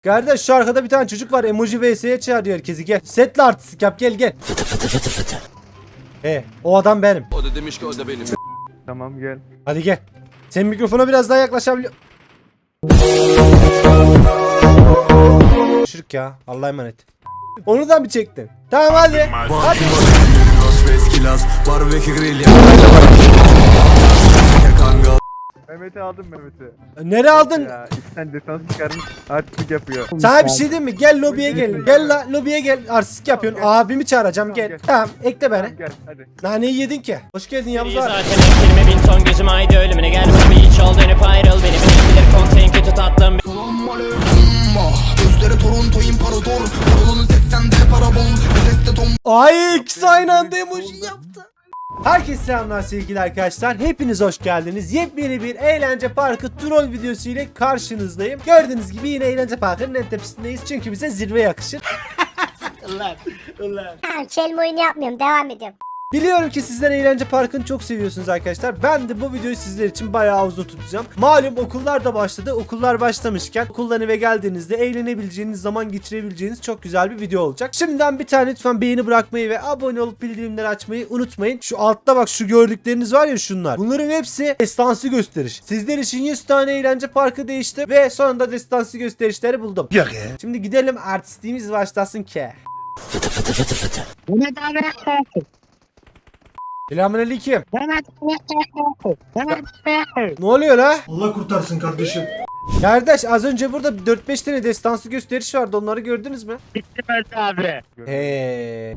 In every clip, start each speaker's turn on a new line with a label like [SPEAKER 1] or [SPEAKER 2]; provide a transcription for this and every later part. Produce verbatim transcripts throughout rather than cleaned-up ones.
[SPEAKER 1] Kardeş şu arkada bir tane çocuk var. Emoji vs'ye çağırıyor herkesi. Gel. Setle artistik yap. Gel gel.
[SPEAKER 2] Fıtı fıtı fıtı fıtı.
[SPEAKER 1] He, o adam benim.
[SPEAKER 3] O da demiş ki o da benim.
[SPEAKER 4] Tamam gel.
[SPEAKER 1] Hadi gel. Sen mikrofona biraz daha yaklaşabiliyor. Şırk ya. Allah'a emanet. Onu da mı çektin? Tamam hadi. Hadi.
[SPEAKER 4] Mehmet'i aldım Mehmet'i.
[SPEAKER 1] Nereye aldın?
[SPEAKER 4] Ya içten defans çıkarmış artistik yapıyor.
[SPEAKER 1] Sana bir şey diyeyim mi? Gel lobiye gel. Gel la lobiye gel. Artistik yapıyorsun. Abimi çağıracağım. Gel. Tamam ekle beni.
[SPEAKER 4] Tamam gel hadi.
[SPEAKER 1] Naneyi yedin ki. Hoş geldin Yavuz abi.
[SPEAKER 5] Zaten ekilme bin ton gözüm aydı ölümüne gel bana bir hiç ol dönüp ayrıl beni bilir konteyn kötü tatlım.
[SPEAKER 2] Gözleri Toronto imparator. Parolun seksende para bol. Seste tom.
[SPEAKER 1] Ay ikisi aynı anda emoji yaptı. Herkese selamlar sevgili arkadaşlar. Hepiniz hoş geldiniz. Yepyeni bir eğlence parkı troll videosu ile karşınızdayım. Gördüğünüz gibi yine eğlence parkının en tepesindeyiz. Çünkü bize zirve yakışır.
[SPEAKER 6] Ulan ulan. Tamam kelime oyunu yapmıyorum, devam ediyorum.
[SPEAKER 1] Biliyorum ki sizler eğlence parkını çok seviyorsunuz arkadaşlar. Ben de bu videoyu sizler için bayağı uzun tutacağım. Malum okullar da başladı. Okullar başlamışken okuldan eve geldiğinizde eğlenebileceğiniz, zaman geçirebileceğiniz çok güzel bir video olacak. Şimdiden bir tane lütfen beğeni bırakmayı ve abone olup bildirimleri açmayı unutmayın. Şu altta bak şu gördükleriniz var ya şunlar. Bunların hepsi destansı gösteriş. Sizler için yüz tane eğlence parkı değişti ve sonunda destansı gösterişleri buldum. Yok ya. Şimdi gidelim artistliğimiz başlasın ki.
[SPEAKER 2] Fıtı fıtı fıtı fıtı.
[SPEAKER 1] Selamünaleyküm. Ne oluyor la?
[SPEAKER 7] Allah kurtarsın kardeşim.
[SPEAKER 1] Kardeş az önce burada dört beş tane destansı gösteriş vardı. Onları gördünüz mü?
[SPEAKER 5] Abi.
[SPEAKER 1] He.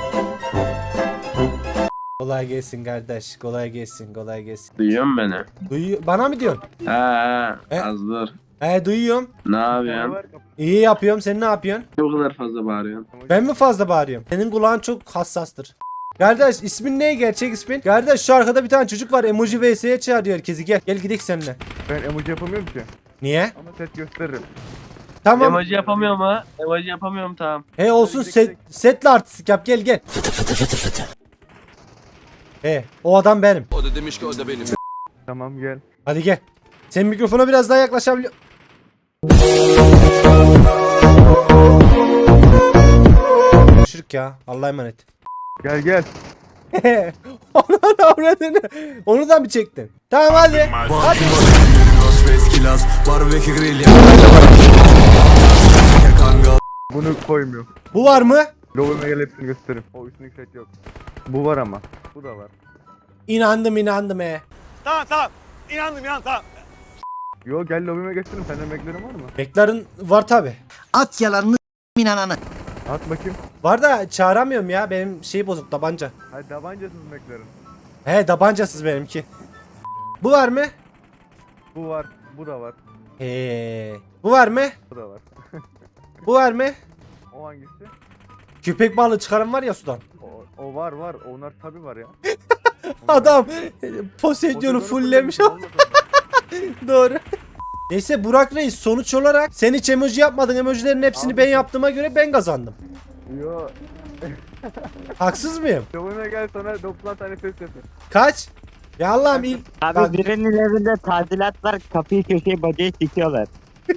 [SPEAKER 1] Kolay gelsin kardeş. Kolay gelsin. Kolay gelsin.
[SPEAKER 8] Duyuyor musun beni?
[SPEAKER 1] Duyuyor. Bana mı diyorsun?
[SPEAKER 8] He he
[SPEAKER 1] E?
[SPEAKER 8] az dur.
[SPEAKER 1] He duyuyorum.
[SPEAKER 8] Ne yapıyorsun?
[SPEAKER 4] Var, kapı-
[SPEAKER 1] İyi yapıyorum. Sen ne yapıyorsun?
[SPEAKER 8] Ne kadar fazla bağırıyorsun?
[SPEAKER 1] Ben mi fazla bağırıyorum? Senin kulağın çok hassastır. Kardeş ismin ne? Gerçek ismin? Kardeş şu arkada bir tane çocuk var. Emoji vs'ye çağırıyor herkesi. Gel. Gel gidelim seninle.
[SPEAKER 4] Ben emoji yapamıyorum ki.
[SPEAKER 1] Niye?
[SPEAKER 4] Ama set gösteririm.
[SPEAKER 1] Tamam.
[SPEAKER 8] Emoji yapamıyorum ha. Emoji yapamıyorum tamam.
[SPEAKER 1] He olsun set, setle artistik yap. Gel gel.
[SPEAKER 2] Fıtı fıtı fıtı fıtı.
[SPEAKER 1] He o adam benim.
[SPEAKER 3] O da demiş ki o da benim.
[SPEAKER 4] Tamam gel.
[SPEAKER 1] Hadi gel. Sen mikrofona biraz daha yaklaşabiliyor. Şırk ya. Allah'a emanet.
[SPEAKER 4] Gel gel.
[SPEAKER 1] Onu da avradını. Onu da mı çektin? Tamam hadi. Hadi.
[SPEAKER 4] Bunu koymuyorum.
[SPEAKER 1] Bu var mı?
[SPEAKER 4] Lobime gel hepsini gösteririm. O üstündeki set yok. Bu var ama. Bu da var.
[SPEAKER 1] İnandım inandım he.
[SPEAKER 4] Yo gel lobime gösteririm. Senden beklerim var mı?
[SPEAKER 1] Beklerin var tabi.
[SPEAKER 2] At yalanını inananı.
[SPEAKER 4] At bakayım.
[SPEAKER 1] Var da çağıramıyorum ya. Benim şey bozuk tabanca.
[SPEAKER 4] Hadi tabancasız beklerim.
[SPEAKER 1] He tabancasız benimki. Bu var mı?
[SPEAKER 4] Bu var. Bu da var.
[SPEAKER 1] He. Bu var mı?
[SPEAKER 4] Bu da var.
[SPEAKER 1] Bu var mı?
[SPEAKER 4] O hangisi?
[SPEAKER 1] Köpek balığı çıkaran var ya sudan.
[SPEAKER 4] O, o var var. Onlar tabi var ya.
[SPEAKER 1] Adam Poseidon'u fulllemiş. Doğru. Neyse Burak Reis sonuç olarak sen hiç emoji yapmadın. Emojilerin hepsini
[SPEAKER 4] Abi.
[SPEAKER 1] ben yaptığıma göre ben kazandım.
[SPEAKER 4] Yo.
[SPEAKER 1] Haksız mıyım?
[SPEAKER 4] Lobime gel sana doksan tane ses yapın.
[SPEAKER 1] Kaç? Ya Allah'ım il... Bak-
[SPEAKER 5] Abi birinin evinde tadilat var kapıyı köşeyi bacayı sikiyorlar.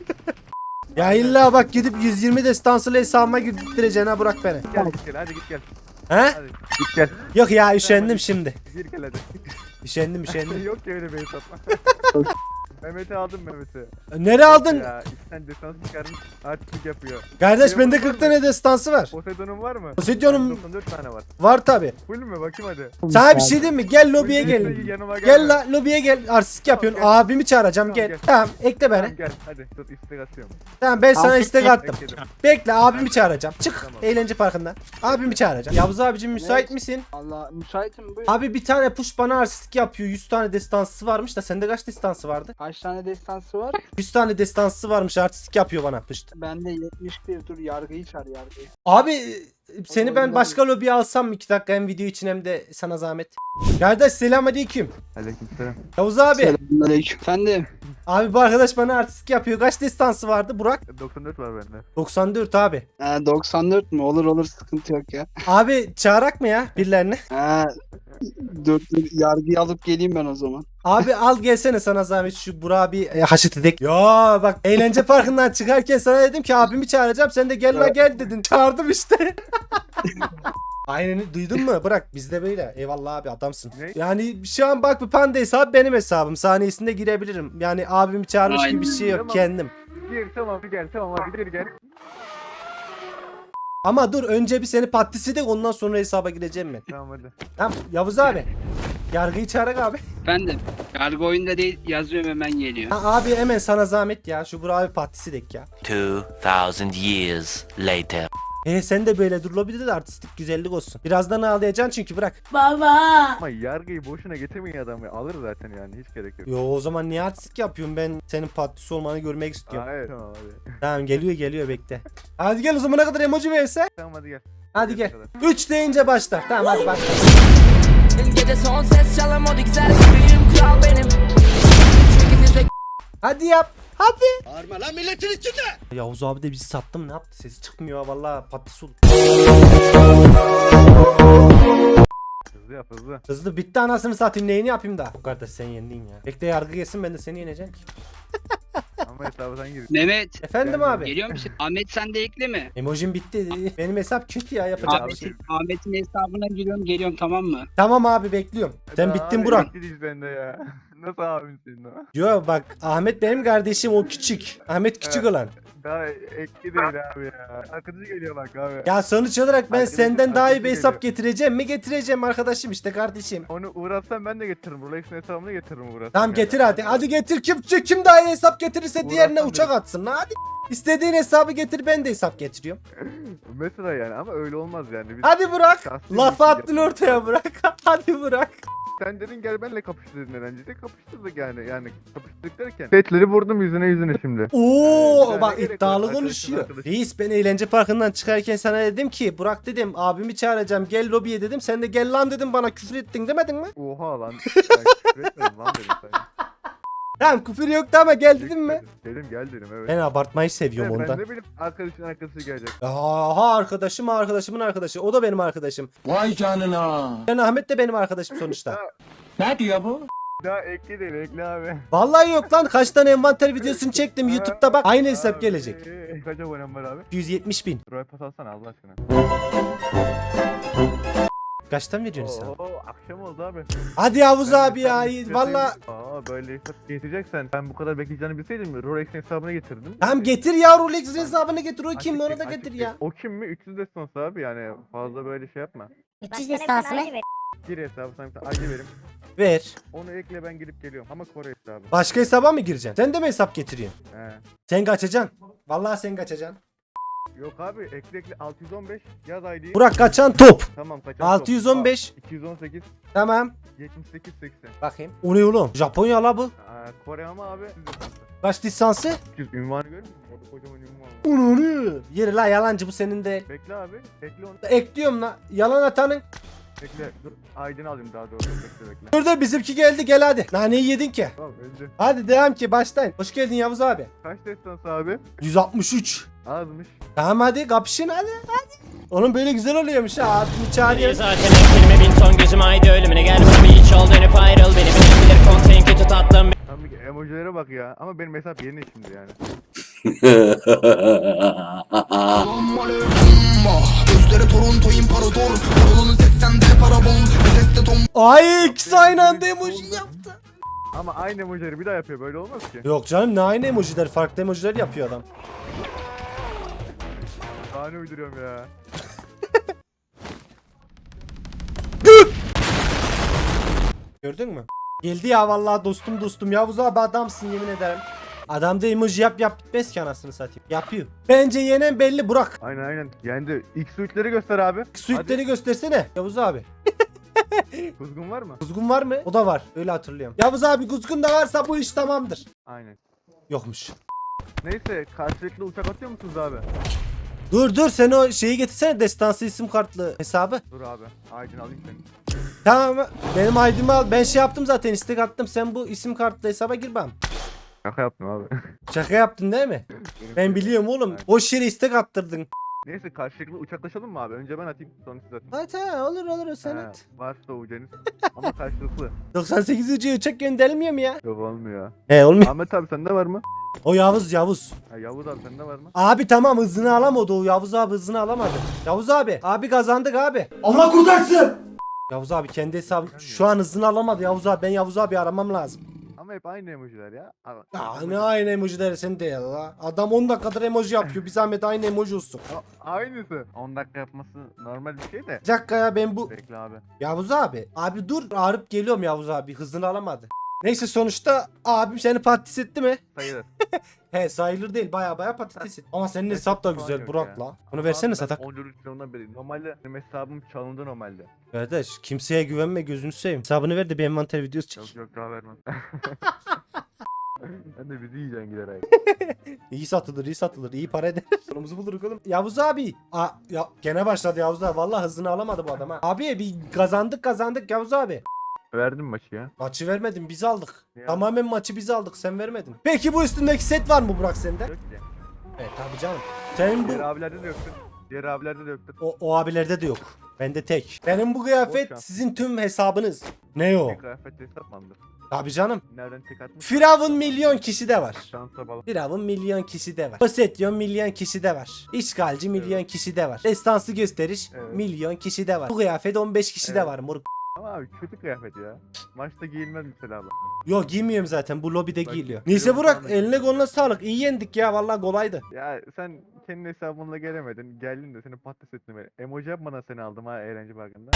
[SPEAKER 1] Ya illa bak gidip yüz yirmi destansılı hesabıma girdireceksin ha Burak beni.
[SPEAKER 4] Gel git gel hadi git gel.
[SPEAKER 1] He?
[SPEAKER 4] Hadi git gel.
[SPEAKER 1] Yok ya üşendim şimdi.
[SPEAKER 4] Gir gel hadi.
[SPEAKER 1] Üşendim üşendim.
[SPEAKER 4] Yok ki öyle bir hesap. Mehmet'i aldım Mehmet'i.
[SPEAKER 1] Nereye aldın?
[SPEAKER 4] Ya içten defans çıkarmış artistik yapıyor.
[SPEAKER 1] Kardeş bende kırk tane destansı var.
[SPEAKER 4] Poseidon'un var mı?
[SPEAKER 1] Poseidon'um
[SPEAKER 4] doksan dört tane var.
[SPEAKER 1] var tabi.
[SPEAKER 4] Full mü? Bakayım hadi.
[SPEAKER 1] Sana bir şey diyeyim mi? Gel lobiye
[SPEAKER 4] Full
[SPEAKER 1] gel.
[SPEAKER 4] değilse yanıma
[SPEAKER 1] Gel
[SPEAKER 4] gelme.
[SPEAKER 1] la lobiye gel. Artistik yapıyorsun.
[SPEAKER 4] Tamam, gel.
[SPEAKER 1] Abimi çağıracağım
[SPEAKER 4] Tamam,
[SPEAKER 1] gel.
[SPEAKER 4] gel.
[SPEAKER 1] Tamam ekle
[SPEAKER 4] Tamam
[SPEAKER 1] beni.
[SPEAKER 4] gel hadi dur istek atıyorum.
[SPEAKER 1] Tamam ben sana
[SPEAKER 5] Abi,
[SPEAKER 1] istek attım.
[SPEAKER 4] Bekledim.
[SPEAKER 1] Bekle abimi çağıracağım. Çık
[SPEAKER 4] Tamam.
[SPEAKER 1] eğlence parkından. Abimi çağıracağım. Yavuz abicim müsait misin?
[SPEAKER 7] Allah müsaitim buyur.
[SPEAKER 1] Abi bir tane push bana artistik yapıyor. yüz tane destansı varmış da sende kaç destansı vardı?
[SPEAKER 7] Kaç tane destansı var?
[SPEAKER 1] yüz tane destansı varmış artistik yapıyor bana pışt.
[SPEAKER 7] Bende yetmiş bir, dur yargıyı çağır yargıyı.
[SPEAKER 1] Abi e, seni ben
[SPEAKER 7] oyundan
[SPEAKER 1] başka lobiye alsam mı iki dakika hem video için hem de sana zahmet. Kardeş selamünaleyküm.
[SPEAKER 4] Aleykümselam.
[SPEAKER 1] Yavuz abi.
[SPEAKER 7] Selamünaleyküm. Efendim?
[SPEAKER 1] Abi bu arkadaş bana artistik yapıyor. Kaç destansı vardı Burak?
[SPEAKER 4] doksan dört var bende.
[SPEAKER 1] doksan dört abi.
[SPEAKER 7] Ha, doksan dört mü? Olur olur sıkıntı yok ya.
[SPEAKER 1] Abi çağırak mı ya birilerini?
[SPEAKER 7] Ha, dur dur yargıyı alıp geleyim ben o zaman.
[SPEAKER 1] Abi al gelsene sana zahmet şu Burak'ı bir e, haşet edek. Ya bak eğlence parkından çıkarken sana dedim ki abimi çağıracağım. Sen de gel la gel dedin. Çağırdım işte. Aynen duydun mu? Bırak bizde böyle. Eyvallah abi adamsın.
[SPEAKER 4] Ne?
[SPEAKER 1] Yani şu an bak bu panda hesabı benim hesabım. Saniyesinde girebilirim. Yani abimi çağırmış gibi bir şey yok
[SPEAKER 4] Tamam.
[SPEAKER 1] kendim.
[SPEAKER 4] Gir tamam gel tamam hadi gir gel.
[SPEAKER 1] Ama dur önce bir seni patlisi de ondan sonra hesaba gireceğim ben.
[SPEAKER 4] Tamam hadi.
[SPEAKER 1] Tamam Yavuz abi. Yargıyı çağırak abi.
[SPEAKER 7] Efendim. Yargı oyunda değil yazıyorum hemen geliyor.
[SPEAKER 1] Ha, abi hemen sana zahmet ya. Şu Burak abi patlisi dek ya.
[SPEAKER 3] Two thousand years later.
[SPEAKER 1] E sen de böyle dur lobide de artistik güzellik olsun. Birazdan ağlayacaksın çünkü bırak.
[SPEAKER 4] Ama yargıyı boşuna getirmeyin adamı. Alır zaten yani hiç gerek yok.
[SPEAKER 1] Yo o zaman niye artistik yapıyorum ben senin patlisi olmanı görmek istiyorum.
[SPEAKER 4] Aa, evet tamam hadi.
[SPEAKER 1] Tamam geliyor geliyor bekle. Hadi gel o zamana kadar emoji verse.
[SPEAKER 4] Tamam hadi gel.
[SPEAKER 1] Hadi gel. üç deyince başla. Tamam hadi başla.
[SPEAKER 9] Gece son ses çalamadı güzel gibiyim kral benim. Çünkü size
[SPEAKER 1] Hadi yap. Hadi. Bağırma lan milletin içinde. Yavuz abi de bizi sattım ne yaptı sesi çıkmıyor valla patlisi oldu.
[SPEAKER 4] Hızlı yap hızlı.
[SPEAKER 1] Hızlı bitti anasını satayım neyini yapayım da. O kardeş sen yendin ya. Bekle yargı gelsin ben de seni yeneceğim ki.
[SPEAKER 4] Ama hesabı sen gir.
[SPEAKER 7] Mehmet.
[SPEAKER 1] Efendim abi.
[SPEAKER 7] Geliyor musun? Ahmet sen de ekle mi?
[SPEAKER 1] Emojim bitti. Benim hesap kötü ya yapacak bir şey.
[SPEAKER 7] Ahmet'in, Ahmet'in hesabına giriyorum geliyorum tamam mı?
[SPEAKER 1] Tamam abi bekliyorum. Sen bittin Burak.
[SPEAKER 4] Gidiş bende ya. Nasıl abim senin o?
[SPEAKER 1] Yo bak Ahmet benim kardeşim o küçük. Ahmet küçük olan.
[SPEAKER 4] Daha ekli değil abi ya. Arkadaşı geliyor bak abi.
[SPEAKER 1] Ya sonuç olarak ben
[SPEAKER 4] Arkadaşım,
[SPEAKER 1] senden daha iyi bir
[SPEAKER 4] arkadaşı
[SPEAKER 1] hesap
[SPEAKER 4] geliyor.
[SPEAKER 1] getireceğim mi getireceğim arkadaşım işte kardeşim.
[SPEAKER 4] Onu uğraşsam ben de getiririm. Rolex'in hesabını getiririm uğraşsam.
[SPEAKER 1] Tamam
[SPEAKER 4] yani.
[SPEAKER 1] getir hadi. Hadi getir kim kim daha iyi hesap getirirse diğerine
[SPEAKER 4] Uğraşsam
[SPEAKER 1] uçak
[SPEAKER 4] dedim.
[SPEAKER 1] atsın lan hadi. İstediğin hesabı getir ben de hesap getiriyorum.
[SPEAKER 4] Mesela yani ama öyle olmaz yani. Biz
[SPEAKER 1] Hadi Burak.
[SPEAKER 4] şahsi
[SPEAKER 1] Lafı
[SPEAKER 4] bir
[SPEAKER 1] attın
[SPEAKER 4] şey
[SPEAKER 1] ortaya Burak. Hadi Burak.
[SPEAKER 4] Sen dedin gel benle kapıştı dedin eğlencede. Kapıştırdık yani. Yani kapıştırdık derken. Petleri vurdum yüzüne yüzüne şimdi.
[SPEAKER 1] Oo
[SPEAKER 4] Yani
[SPEAKER 1] bak
[SPEAKER 4] ne gerek
[SPEAKER 1] iddialı
[SPEAKER 4] var?
[SPEAKER 1] konuşuyor.
[SPEAKER 4] Arkadaşım, arkadaşım.
[SPEAKER 1] Reis ben eğlence parkından çıkarken sana dedim ki Burak dedim abimi çağıracağım gel lobiye dedim. Sen de gel lan dedim bana küfür ettin demedin mi?
[SPEAKER 4] Oha lan. Ben küfür etmedim lan dedim sana.
[SPEAKER 1] Tamam küfür yoktu ama gel dedim mi?
[SPEAKER 4] Dedim gel dedim evet.
[SPEAKER 1] Ben abartmayı seviyorum
[SPEAKER 4] Ben
[SPEAKER 1] ondan.
[SPEAKER 4] ne bileyim arkadaşın arkadaşı gelecek.
[SPEAKER 1] Aha arkadaşım arkadaşımın arkadaşı. O da benim arkadaşım.
[SPEAKER 2] Vay canına.
[SPEAKER 1] Yani Ahmet de benim arkadaşım sonuçta.
[SPEAKER 2] Ne diyor bu?
[SPEAKER 4] Daha ekli değil ekli abi.
[SPEAKER 1] Vallahi yok lan kaç tane envanter videosunu çektim YouTube'da bak aynı hesap
[SPEAKER 4] Abi,
[SPEAKER 1] gelecek.
[SPEAKER 4] Kaç abonem var abi?
[SPEAKER 1] yüz yetmiş bin.
[SPEAKER 4] Roy pas alsana Allah aşkına.
[SPEAKER 1] Kaçtan veriyorsun sen?
[SPEAKER 4] Oo akşam oldu abi.
[SPEAKER 1] Hadi Yavuz
[SPEAKER 4] Ben-
[SPEAKER 1] abi ya
[SPEAKER 4] ben-
[SPEAKER 1] valla.
[SPEAKER 4] Aa böyle hesap getireceksen ben bu kadar bekleyeceğini bilseydim Rolex'in hesabını getirdim.
[SPEAKER 1] Tamam getir ya Rolex hesabını getir o
[SPEAKER 4] Açık
[SPEAKER 1] kim onu
[SPEAKER 4] değil,
[SPEAKER 1] da
[SPEAKER 4] açık
[SPEAKER 1] getir
[SPEAKER 4] değil.
[SPEAKER 1] ya.
[SPEAKER 4] O kim mi? üç yüz destans abi yani fazla böyle şey yapma.
[SPEAKER 6] üç yüz destansı mı?
[SPEAKER 4] Gir hesabı sana bir tane I D verim.
[SPEAKER 1] Ver.
[SPEAKER 4] Onu ekle ben gelip geliyorum ama Kore hesabı.
[SPEAKER 1] Başka hesaba mı gireceksin? Sen de mi hesap getiriyorsun?
[SPEAKER 4] He.
[SPEAKER 1] Sen kaçacaksın. Vallahi sen kaçacaksın.
[SPEAKER 4] Yok abi ekle ekle altı yüz on beş yaz I D'yi.
[SPEAKER 1] Burak kaçan top.
[SPEAKER 4] Tamam kaçan
[SPEAKER 1] altı yüz on beş.
[SPEAKER 4] iki yüz on sekiz
[SPEAKER 1] Tamam.
[SPEAKER 4] yetmiş sekiz seksen.
[SPEAKER 1] Bakayım. O ne oğlum? Japonya la bu.
[SPEAKER 4] Aa, Kore ama abi üç yüz destansı.
[SPEAKER 1] Kaç lisansı?
[SPEAKER 4] üç yüz ünvanı görmüyor musun? Orada kocaman ünvan var.
[SPEAKER 1] Ununu. Yeri la yalancı bu senin değil.
[SPEAKER 4] Bekle abi. Ekle onu.
[SPEAKER 1] Ekliyorum la. Yalan atanın.
[SPEAKER 4] Bekle. Dur. I D'ni alayım daha doğrusu. Bekle bekle.
[SPEAKER 1] Dur dur bizimki geldi gel hadi. Naneyi yedin ki.
[SPEAKER 4] Tamam önce.
[SPEAKER 1] Hadi devam ki başlayın. Hoş geldin Yavuz abi.
[SPEAKER 4] Kaç destans abi?
[SPEAKER 1] yüz altmış üç.
[SPEAKER 4] Azmış.
[SPEAKER 1] Tamam hadi kapışın hadi hadi. Oğlum böyle güzel oluyormuş ha. Abimi
[SPEAKER 5] Niye
[SPEAKER 1] çağırıyor.
[SPEAKER 5] zaten eksilme bin ton gözüm haydi ölümüne gel bana bir hiç ol dönüp ayrıl beni bilen bilir konteyn kötü tatlım.
[SPEAKER 4] Tam bir emojilere bak ya. Ama benim hesap yeni şimdi yani.
[SPEAKER 2] Gözleri Toronto imparator. Yolun seksende para bol. Seste tom.
[SPEAKER 1] Ay ikisi aynı anda emoji yaptı.
[SPEAKER 4] Ama aynı emojileri bir daha yapıyor. Böyle olmaz ki.
[SPEAKER 1] Yok canım ne aynı emojiler farklı emojiler yapıyor adam.
[SPEAKER 4] Daha ne uyduruyorum ya.
[SPEAKER 1] Gördün mü? Geldi ya vallahi dostum dostum Yavuz abi adamsın yemin ederim. Adamda emoji yap yap bitmez ki anasını satayım. Yapıyor. Bence yenen belli Burak.
[SPEAKER 4] Aynen aynen. Yendi. İlk suitleri göster abi.
[SPEAKER 1] Suitleri göstersene Yavuz abi.
[SPEAKER 4] Hadi. Kuzgun var mı?
[SPEAKER 1] Kuzgun var mı? O da var. Öyle hatırlıyorum. Yavuz abi kuzgun da varsa bu iş tamamdır.
[SPEAKER 4] Aynen.
[SPEAKER 1] Yokmuş.
[SPEAKER 4] Neyse karşılıklı uçak atıyor musunuz abi?
[SPEAKER 1] Dur dur sen o şeyi getirsene destansı isim kartlı hesabı.
[SPEAKER 4] Dur abi. Aydın alayım seni.
[SPEAKER 1] Tamam benim I D'mi al. Ben şey yaptım zaten istek attım. Sen bu isim kartlı hesaba gir bana.
[SPEAKER 4] Şaka yaptım abi.
[SPEAKER 1] Şaka yaptın değil mi? Ben biliyorum oğlum. Boş yere istek attırdın.
[SPEAKER 4] Neyse karşılıklı uçaklaşalım mı abi? Önce ben atayım sonra siz atın.
[SPEAKER 1] Hadi ha, olur olur sen
[SPEAKER 4] He,
[SPEAKER 1] at.
[SPEAKER 4] varsa ucunuz. Ama karşılıklı.
[SPEAKER 1] doksan sekiz ucu uçak gönderilmiyor mu ya?
[SPEAKER 4] Yok olmuyor.
[SPEAKER 1] He olmuyor.
[SPEAKER 4] Ahmet abi sende var mı?
[SPEAKER 1] O Yavuz Yavuz.
[SPEAKER 4] Ha, Yavuz abi sende var mı?
[SPEAKER 1] Abi tamam hızını alamadı o Yavuz abi hızını alamadı. Yavuz abi. Abi kazandık abi. Allah kurtarsın. Yavuz abi kendi hesabı şu an hızını alamadı Yavuz abi. Ben Yavuz abi aramam lazım.
[SPEAKER 4] Ama hep aynı emojiler ya. Ama-
[SPEAKER 1] Ya ne aynı emojileri sen de ya la. Adam on dakikadır emoji yapıyor. Bir zahmet aynı emoji olsun.
[SPEAKER 4] A- Aynısı. on dakika yapması normal bir şey de.
[SPEAKER 1] Bir dakika ya ben bu...
[SPEAKER 4] Bekle abi.
[SPEAKER 1] Yavuz abi. Abi dur ağrıp geliyorum Yavuz abi. Hızını alamadı. Neyse sonuçta abim seni patates etti mi?
[SPEAKER 4] Sayılır.
[SPEAKER 1] He sayılır değil baya baya patates etti. Ama senin hesap da
[SPEAKER 4] Falan
[SPEAKER 1] güzel
[SPEAKER 4] yok
[SPEAKER 1] Burak
[SPEAKER 4] ya.
[SPEAKER 1] la. Bunu versene
[SPEAKER 4] Abi ben
[SPEAKER 1] satak.
[SPEAKER 4] on dört yılından beri. Normalde benim hesabım çalındı normalde.
[SPEAKER 1] Kardeş kimseye güvenme gözünü seveyim. Hesabını ver de bir envanter videosu çek.
[SPEAKER 4] Yok yok daha vermem. Sen de bizi yiyeceksin giderek.
[SPEAKER 1] İyi satılır iyi satılır iyi para eder. Sonumuzu buluruz oğlum. Yavuz abi. Aa, ya, gene başladı Yavuz abi. Vallahi hızını alamadı bu adam ha. Abi bir kazandık kazandık Yavuz abi.
[SPEAKER 4] Verdim maçı ya.
[SPEAKER 1] Maçı vermedin biz aldık.
[SPEAKER 4] Ya.
[SPEAKER 1] Tamamen maçı biz aldık sen vermedin. Peki bu üstündeki set var mı Burak sende?
[SPEAKER 4] Yok ya.
[SPEAKER 1] Evet tabii canım. Senin bu
[SPEAKER 4] Diğer abilerde de yoktu. Diğer abilerde de yoktu.
[SPEAKER 1] o, o abilerde de yok. Bende tek. Benim bu kıyafet
[SPEAKER 4] Boş
[SPEAKER 1] sizin tüm hesabınız. Ne o?
[SPEAKER 4] Bir kıyafet hesap mandır.
[SPEAKER 1] Tabii canım.
[SPEAKER 4] Nereden tek atmış?
[SPEAKER 1] Firavun milyon kişi de var.
[SPEAKER 4] Şansa bağlı.
[SPEAKER 1] Firavun milyon kişi de var. Posetyon milyon kişi de var. İşgalci milyon kişi de var. Destansı gösteriş
[SPEAKER 4] Evet.
[SPEAKER 1] milyon kişi de var. Bu kıyafet on beş kişi de
[SPEAKER 4] Evet.
[SPEAKER 1] var moruk.
[SPEAKER 4] Ama abi kötü kıyafet ya. Maçta giyilmez mesela abi.
[SPEAKER 1] Yok giymiyorum zaten bu lobide
[SPEAKER 4] Bak,
[SPEAKER 1] giyiliyor.
[SPEAKER 4] Firavun
[SPEAKER 1] Neyse Burak
[SPEAKER 4] falan da
[SPEAKER 1] eline
[SPEAKER 4] giymiyor.
[SPEAKER 1] koluna sağlık. İyi yendik ya vallahi kolaydı.
[SPEAKER 4] Ya sen kendi hesabınla gelemedin. Geldin de seni patates ettim. Emoji yapmadan seni aldım ha eğlence parkında.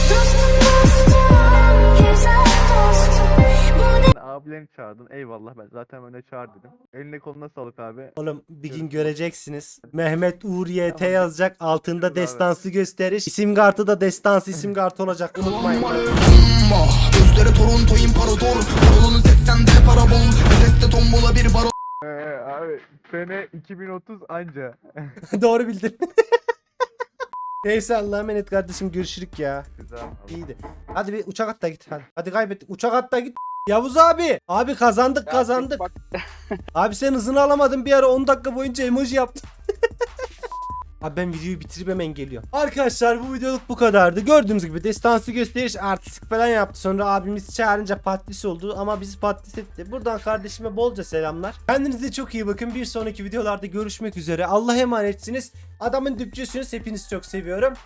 [SPEAKER 4] Sen abilerini çağırdın. Eyvallah ben zaten öne çağır dedim. Eline koluna sağlık abi.
[SPEAKER 1] Oğlum bir gün
[SPEAKER 4] Görüşürüz.
[SPEAKER 1] göreceksiniz. Mehmet Uğur Y T
[SPEAKER 4] Tamam.
[SPEAKER 1] yazacak. Altında
[SPEAKER 4] Görüşürüz abi.
[SPEAKER 1] destansı gösteriş. İsim kartı da destansı isim kartı olacak. Unutmayın.
[SPEAKER 2] Umma Gözleri Toronto imparator Parolun seksende para bol Seste tombola bir baro
[SPEAKER 4] Ee, abi sene iki bin otuz anca.
[SPEAKER 1] Doğru bildin. Neyse Allah'a emanet kardeşim görüşürük ya.
[SPEAKER 4] Güzel.
[SPEAKER 1] İyiydi. Hadi bir uçak at da git hadi. Hadi kaybettik. Uçak at da git. Yavuz abi. Abi kazandık kazandık. Abi sen hızını alamadın bir ara on dakika boyunca emoji yaptın. Abi ben videoyu bitirip hemen geliyorum. Arkadaşlar bu videoluk bu kadardı. Gördüğünüz gibi destansı gösteriş artistik falan yaptı. Sonra abimiz çağırınca patates oldu ama bizi patates etti. Buradan kardeşime bolca selamlar. Kendinize çok iyi bakın. Bir sonraki videolarda görüşmek üzere. Allah'a emanetsiniz. Adamın düpçüsünüz. Hepinizi çok seviyorum.